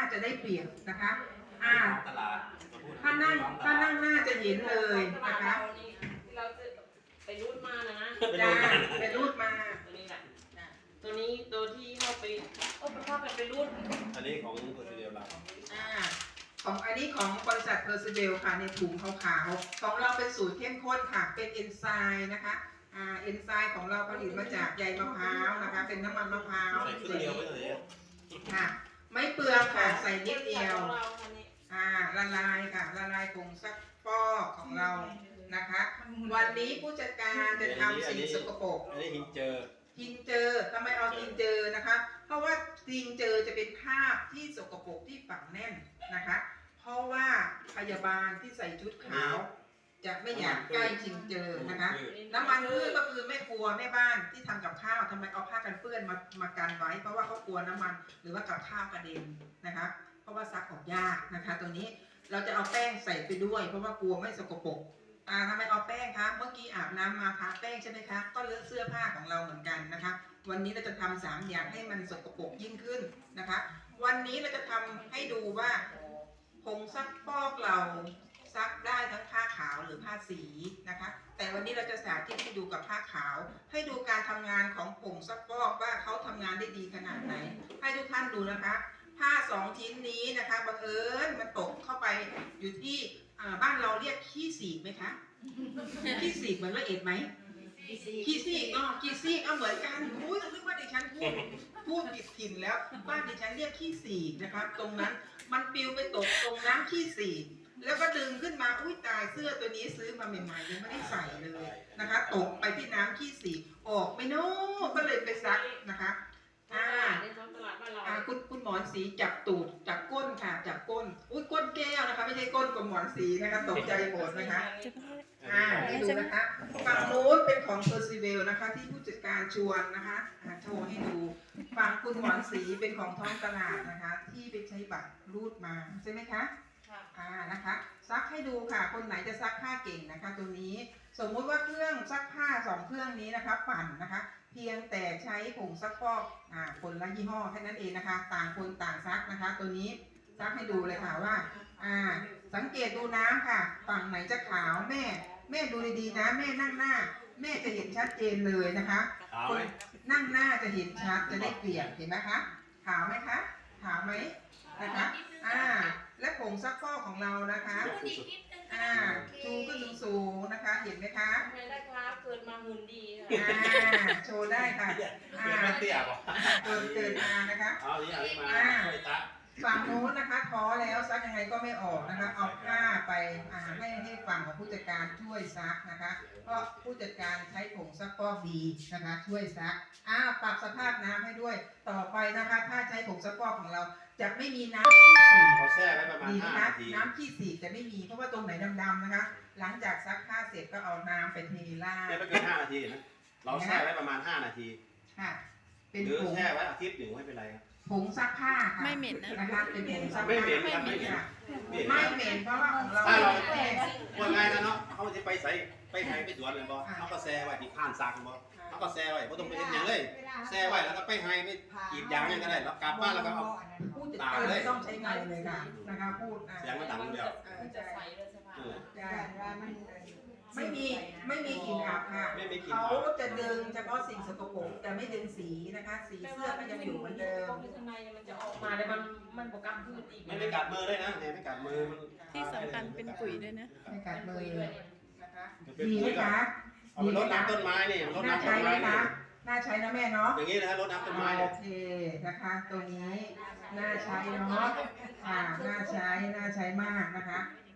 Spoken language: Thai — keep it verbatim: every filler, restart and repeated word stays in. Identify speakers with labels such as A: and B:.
A: จะได้เปรียบนะคะอ่าถ้านั่งถ้านั่งหน้าจะเห็นเลยนะคะ
B: เราจะไปรูดมานะนะ
A: จ้าไปรูดมา
B: ตัวนี้แหละตัวนี้ตัวที่เข้าไปโอ้ไปเข้าไปไปรูด
C: อันนี้ของตัวเดียวเรา
A: อ่าของอันนี้ของบริษัทเพอร์ซิเบลค่ะในถุงขาวๆของเราเป็นสูตรเข้มข้นค่ะเป็นเอนไซม์นะคะอ่าเอนไซม์ของเราผลิตมาจากใยมะพร้าวนะคะเป็นน้ำมันมะพร้าว
C: ใส่ครึ่งเดียวไม่เลย
A: ค่ะไม่เปลืองค่ะใส่นิดเดียวอ่าละลายค่ะละลายผงซักฟอกของเรานะคะวันนี้ผู้จัดการจะทำสิ่งสกปรก
C: อันนี้หินเจอ
A: หินเจอทำไมเอาหินเจอนะคะเพราะว่าหินเจอจะเป็นคราบที่สกปรกที่ฝังแน่นนะคะเพราะว่าพยาบาลที่ใส่ชุดขาวจะไม่อยากใกล้หินเจอนะคะน้ำมันพืชก็คือแม่ครัวแม่บ้านที่ทำกับข้าวทำไมเอาผ้ากันเปื้อนมามากันไว้เพราะว่าเขากลัวน้ำมันหรือว่ากับข้าวกระเด็นนะคะเพราะว่าซักออกยากนะคะตัวนี้เราจะเอาแป้งใส่ไปด้วยเพราะว่ากลัวไม่สกปรกอ่าทำไมเอาแป้งคะเมื่อกี้อาบน้ำมาทาแป้งใช่ไหมคะก็เลอะเสื้อผ้าของเราเหมือนกันนะคะวันนี้เราจะทำสามอย่างให้มันสกปรกยิ่งขึ้นนะคะวันนี้เราจะทำให้ดูว่าผงซักฟอกเราซักได้ทั้งผ้าขาวหรือผ้าสีนะคะแต่วันนี้เราจะสาธิตให้ดูกับผ้าขาวให้ดูการทำงานของผงซักฟอกว่าเขาทำงานได้ดีขนาดไหนให้ทุกท่านดูนะคะผ้าสองชิ้นนี้นะคะบังเอิญมันตกเข้าไปอยู่ที่บ้านเราเรียกขี้สีกไหมคะขี้สีกเหมือนละเอียดไหมขี้ซีกอ๋อขี้ซีกเอาเหมือนกันอุ้ยนึกว่าดิฉันพูดพูดผิดถิ่นแล้วบ้านดิฉันเรียกขี้สีกนะคะตรงนั้นมันปลิวไปตกตรงน้ำขี้สีกแล้วก็ดึงขึ้นมาอุ้ยตายเสื้อตัวนี้ซื้อมาใหม่ๆยังไม่ได้ใส่เลยนะคะตกไปที่น้ำขี้สีกออกไม่โน้ก็เลยไปซักนะคะอ่าอ่าคุณคุณหมอนสีจับตูดจับก้นค่ะจับก้นอุ้ยก้นแก้วนะคะไม่ใช่ก้นของหมอนสีนะคะตกใจหมดนะคะอ่าให้ดูนะคะฝั่งโน้นเป็นของเพอร์ซิเวลนะคะที่ผู้จัดการชวนนะคะโชว์ให้ดูฝั่งคุณหมอนสีเป็นของท้องตลาดนะคะที่ไปใช้บัตรรูดมาใช่ไหมคะอ่านะคะซักให้ดูค่ะคนไหนจะซักผ้าเก่งนะคะตัวนี้สมมุติว่าเครื่องซักผ้าสองเครื่องนี้นะคะปั่นนะคะเพียงแต่ใช้ผงซักฟอกอ่าคนละยี่ห้อแค่นั้นเองนะคะต่างคนต่างซักนะคะตัวนี้ซักให้ดูเลยค่ะว่าอ่าสังเกตดูน้ำค่ะฝั่งไหนจะขาวแม่แม่ดูดีๆนะแม่นั่งหน้าแม่จะเห็นชัดเจนเลยนะคะคนนั่งหน้าจะเห็นชัดจะได้เปรียบเห็นไหมคะขาวไหมคะขาวไหมนะคะอ่าและผงซักฟอกของเรานะคะอ่าชูขึ้นสูงๆนะคะเห็นไหมคะ
B: ไม่ได้ครับเกิดมาหุ่นดี
A: อ่าโชว์ได้ค่ะอ่า
C: เตี้ยป่ะ
A: เกิดเกิดมานะคะ
C: เอาอย่างนี้มาช่วยตา
A: ฝั่งโน้นนะคะท้อแล้วซักยังไงก็ไม่ออกนะคะเอาผ้าไปให้ให้ฝั่งของผู้จัดการช่วยซักนะคะเพราะผู้จัดการใช้ผงซักฟอกดีนะคะช่วยซักอ้าวปรับสภาพน้ำให้ด้วยต่อไปนะคะถ้าใช้ผงซักฟอกของเราจะไม่มีน้ำขี้สี
C: เขาแช่ไว้ประมาณห้านาที
A: น้ำขี้สีจะไม่มีเพราะว่าตรงไหนดำๆนะคะหลังจากซักผ้าเสร็จก็เอาน้ำไปเทล่า
C: แช่ไม่เกินห้านาทีนะเราแช่ไว้ประมาณห้านาที
A: ค่ะ
C: เป็นผงแช่ไว้อาทิตย์หนึ่งไม่เป็นไรครับ
A: ผงซักผ้าค่ะ
D: ไม่เหม็น
A: นะคะเป็นผงซักผ้า
C: ไม่เหม็นไม่เหม็น
A: ไม่เหม็นเพราะว่าของเรา
C: ถ้าเราว่าไงนะเนาะเขาจะไปใส่ไปไหนไปสวนเลยบ่เขาก็แช่ไว้ที่ข้านซักบ่เขาก็แช่ไว้ไม่ต้องไปเห็นอย่างเลยแช่ไว้แล้วก็ไปให้ไม่กีดยางยังก็ได้แล้วกลับบ้านแล้วก็เอา
A: พูดตาเลยต้องใช้เงินเลยค่ะนะคะพูด
C: เสียงมันดังเดียว
B: จะใส่เลยสภาพ
A: ไม่มีไม่มีกลิ่นอับค่ะเขาจะดึงเฉพาะสิ่งสกปรกแต่ไม่ดึงสีนะคะสีเสื้อก็ยังอยู่เหมือนเดิม
B: ข้างในมันจะออกมาเลยมันมันโปรแกรมพืชอีก
C: ไม่ไม่กัดมือเลยนะเนี่ยไม่กัดมือ
D: ที่สำคัญเป็นปุ๋ยด้วยนะ
A: ไม่กัดมือเลยนะคะดีไหมคะ
C: เอาไปรดน้ำต้นไม้นี่รดน้ำต้นไม้
A: นะน่าใช้นะแม่เนาะ
C: อย่างนี้นะรดน้ำต้นไม้
A: โอเคนะคะตัวนี้น่าใช้เนาะอ่าน่าใช้น่าใช้มากนะคะ